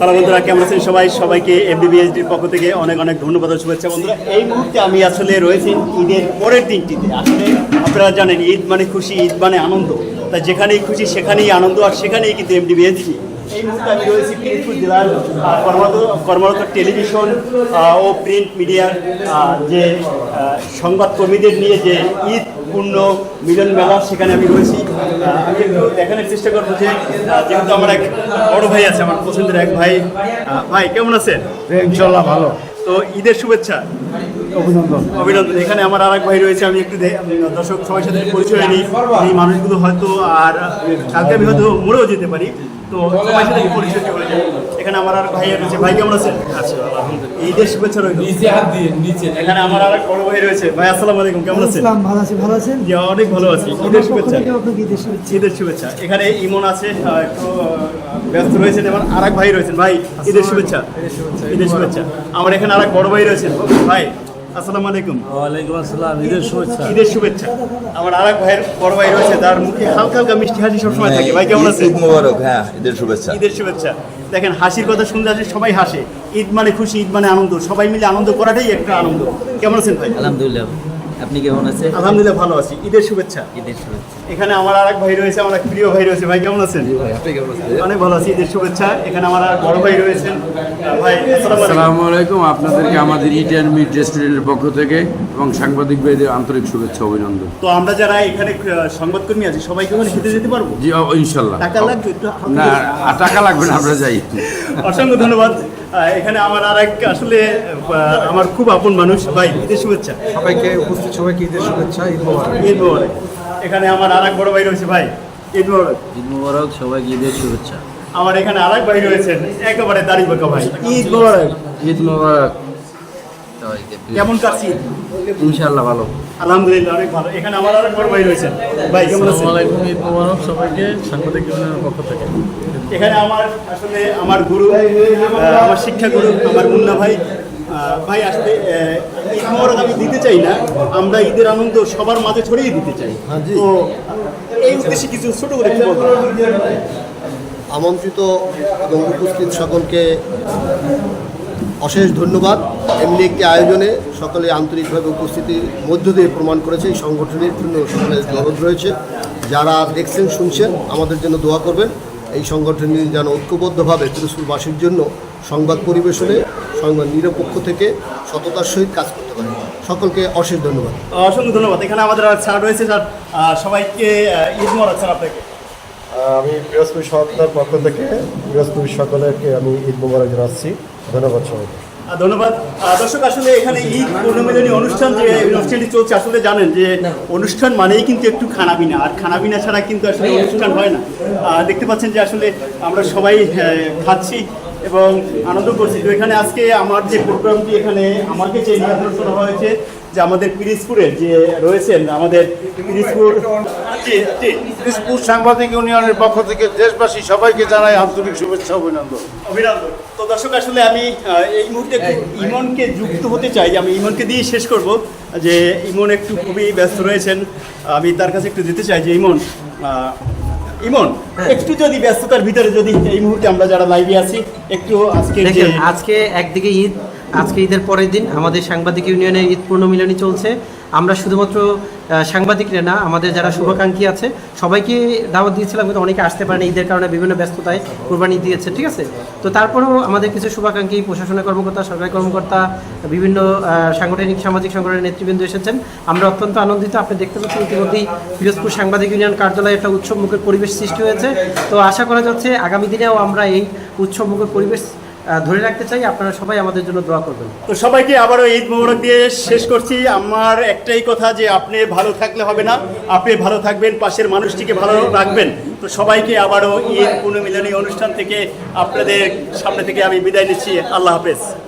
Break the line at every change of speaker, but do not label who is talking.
Hello বন্ধুরা, কেমন আছেন সবাই? সবাইকে এমবিবিএসডির পক্ষ থেকে অনেক অনেক ধন্যবাদ ও শুভেচ্ছা। বন্ধুরা, এই মুহূর্তে আমি আসলে রয়েছি ঈদের পরের দিনটিতে। আসলে আপনারা জানেন, ঈদ মানে খুশি, ঈদ মানে আনন্দ। তাই যেখানেই খুশি সেখানেই আনন্দ, আর সেখানেই কিন্তু এমবিবিএসডি। এই মুহূর্তে আমি রয়েছি পিরোজপুর জেলার কর্মরত টেলিভিশন ও প্রিন্ট মিডিয়ার যে সংবাদকর্মীদের নিয়ে যে ঈদ পূর্ণ মিলন মেলা, সেখানে আমি রয়েছি। আমি একটু দেখানোর চেষ্টা করবো যে যেহেতু আমার এক বড় ভাই আছে, আমার পছন্দের এক ভাই। ভাই কেমন আছেন?
ইনশাল্লাহ ভালো।
তো ঈদের শুভেচ্ছা,
অভিনন্দন।
অভিনন্দন। এখানে আমার আর এক ভাই রয়েছে, আমি একটু দর্শক সবার সাথে পরিচয় নিই। এই মানুষগুলো হয়তো আর কালকে আমি হয়তো মরেও যেতে পারি, তো সবার সাথে পরিচয় হয়ে যায়। এখানে আমার আর ভাই রয়েছে। ভাই কেমন আছেন? ঈদের শুভেচ্ছা রইল। এখানে আমার আর এক বড় ভাই রয়েছে। ভাই আসসালামু আলাইকুম, কেমন আছেন?
ভালো আছি। ভালো আছেন?
জি, অনেক ভালো আছি। ঈদের শুভেচ্ছা।
ঈদের
শুভেচ্ছা। এখানে ইমন আছে, একটু ব্যস্ত রয়েছেন। এবং আর এক ভাই রয়েছেন। ভাই ঈদের শুভেচ্ছা। ঈদের শুভেচ্ছা। আমার এখানে আর এক বড় ভাই রয়েছেন। ভাই আসসালামু আলাইকুম।
ওয়ালাইকুম আসসালাম। ঈদের শুভেচ্ছা।
ঈদের শুভেচ্ছা। আমার আর এক ভাইয়ের বড় ভাই রয়েছে, তার মুখে হালকা হালকা মিষ্টি হাসি সবসময় থাকে। ভাই কেমন আছেন?
ঈদ মোবারক। হ্যাঁ, ঈদের শুভেচ্ছা।
ঈদের শুভেচ্ছা। দেখেন, হাসির কথা শুনতে আসে সবাই হাসে। ঈদ মানে খুশি, ঈদ মানে আনন্দ। সবাই মিলে আনন্দ করাটাই একটা আনন্দ। কেমন আছেন ভাই?
আলহামদুলিল্লাহ, আপনি কেমন আছেন?
আলহামদুলিল্লাহ ভালো আছি। ঈদের শুভেচ্ছা।
ঈদের শুভেচ্ছা।
এখানে আমার আর এক ভাই রয়েছে, আমার এক প্রিয় ভাই রয়েছে। ভাই কেমন আছেন? অনেক ভালো আছি। ঈদের শুভেচ্ছা। এখানে আমার আর বড় ভাই রয়েছেন। ভাই
আসসালামু আলাইকুম। আপনাদেরকে আমাদের ইট অ্যান্ড মিট রেস্টুরেন্টের পক্ষ থেকে এবং সাংবাদিক ভাইদের আন্তরিক শুভেচ্ছা, অভিনন্দন।
তো আমরা যারা এখানে সংবাদকর্মী আছি, সবাইকে ওখানে খেতে যেতে পারবো?
জি, ইনশাল্লাহ।
টাকা লাগবে একটু?
না, টাকা লাগবে না, আমরা যাই।
অসংখ্য ধন্যবাদ। এখানে আমার আর এক আসলে আমার খুব আপন মানুষ। ভাই ঈদের শুভেচ্ছা।
সবাইকে, উপস্থিত সবাইকে ঈদের শুভেচ্ছা। ঈদ মোবারক।
ঈদ মোবারক। এখানে আমার আর এক বড় ভাই রয়েছে। ভাই ঈদ মোবারক।
ঈদ মোবারক, সবাইকে ঈদের শুভেচ্ছা।
আমার এখানে আর এক ভাই রয়েছেন, একেবারে দাড়ি বাঁকা ভাই। ঈদ মোবারক।
ঈদ মোবারক।
কেমন কাটছি?
ইনশাআল্লাহ ভালো।
আলহামদুলিল্লাহ, অনেক ভালো। এখানে আমার আর এক বড় ভাই রয়েছেন। ভাই কেমন আছেন?
ঈদ মোবারক সবাইকে সাংবাদিক ইউনিয়নের পক্ষ থেকে।
এখানে আমার আসলে আমার গুরু, আমার শিক্ষা গুরু, আমার মুন্না ভাই। ভাই আসলে ঈদ মোবারক আমি দিতে চাই না, আমরা ঈদের আনন্দ সবার মাঝে ছড়িয়ে দিতে চাই। তো এই উদ্দেশ্যে কিছু ছোট করে কি বলবো?
আমন্ত্রিত এবং উপস্থিত সকলকে অশেষ ধন্যবাদ। এমনি একটি আয়োজনে সকলে আন্তরিকভাবে উপস্থিতির মধ্য দিয়ে প্রমাণ করেছে এই সংগঠনের জন্য সকলের দরদ রয়েছে। যারা দেখছেন শুনছেন, আমাদের জন্য দোয়া করবেন। এই সংগঠনটি যেন ঐক্যবদ্ধভাবে পিরোজপুরবাসীর জন্য সংবাদ পরিবেশনে সংবাদ নিরপেক্ষ থেকে সততার সহিত কাজ করতে পারে। সকলকে অশেষ ধন্যবাদ।
অসংখ্য ধন্যবাদ। এখানে আমাদের আর স্যার রয়েছে। স্যার সবাইকে ঈদ মোবারক। স্যার আপনাকে।
আমি পিরোজপুর সরকার পক্ষ থেকে পিরোজপুর সকলকে আমি ঈদ মোবারক জানাচ্ছি। ধন্যবাদ সবাইকে।
ধন্যবাদ। দর্শক, আসলে এখানে ঈদ পূর্ণমিলনী অনুষ্ঠান যে অনুষ্ঠানটি চলছে, আসলে জানেন যে অনুষ্ঠান মানেই কিন্তু একটু খানাপিনা, আর খানাপিনা ছাড়া কিন্তু আসলে অনুষ্ঠান হয় না। দেখতে পাচ্ছেন যে আসলে আমরা সবাই খাচ্ছি এবং আনন্দ করছি। তো এখানে আজকে আমার যে প্রোগ্রামটি, এখানে আমাকে যে নিমন্ত্রণ করা হয়েছে, যে আমাদের পিরোজপুরের যে রয়েছেন, আমাদের
পিরোজপুর সাংবাদিক ইউনিয়নের পক্ষ থেকে দেশবাসী সবাইকে জানাই আন্তরিক শুভেচ্ছা, অভিনন্দন।
অভিনন্দন। তো দর্শক, আসলে আমি এই মুহূর্তে ইমনকে যুক্ত হতে চাই। আমি ইমনকে দিয়ে শেষ করব, যে ইমন একটু খুবই ব্যস্ত রয়েছেন। আমি তার কাছে একটু দিতে চাই যে ইমন, একটু যদি ব্যস্ততার ভিতরে যদি এই মুহূর্তে আমরা যারা লাইভে আছি একটু
আজকে একদিকে ঈদ, আজকে ঈদের পরের দিন আমাদের সাংবাদিক ইউনিয়নের ঈদ পূর্ণমিলনী চলছে। আমরা শুধুমাত্র সাংবাদিকরা না, আমাদের যারা শুভাকাঙ্ক্ষী আছে সবাইকে দাওয়াত দিয়েছিলাম, কিন্তু অনেকে আসতে পারেনি ঈদের কারণে, বিভিন্ন ব্যস্ততায় কোরবানি দিয়েছে, ঠিক আছে। তো তারপরেও আমাদের কিছু শুভাকাঙ্ক্ষী, প্রশাসনের কর্মকর্তা, সরকারি কর্মকর্তা, বিভিন্ন সাংগঠনিক সামাজিক সংগঠনের নেতৃবৃন্দ এসেছেন। আমরা অত্যন্ত আনন্দিত। আপনি দেখতে পাচ্ছেন ইতিমধ্যেই পিরোজপুর সাংবাদিক ইউনিয়ন কার্যালয়ে একটা উৎসবমুখর পরিবেশ সৃষ্টি হয়েছে। তো আশা করা যাচ্ছে আগামী দিনেও আমরা এই উৎসবমুখর পরিবেশ ধরে রাখতে চাই। আপনারা সবাই আমাদের জন্য দোয়া করবেন।
তো সবাইকে আবারও ঈদ মোবারক দিয়ে শেষ করছি। আমার একটাই কথা, যে আপনি ভালো থাকলে হবে না, আপনি ভালো থাকবেন, পাশের মানুষটিকে ভালো রাখবেন। তো সবাইকে আবারও ঈদ পূর্ণমিলনী অনুষ্ঠান থেকে আপনাদের সামনে থেকে আমি বিদায় নিচ্ছি। আল্লাহ হাফেজ।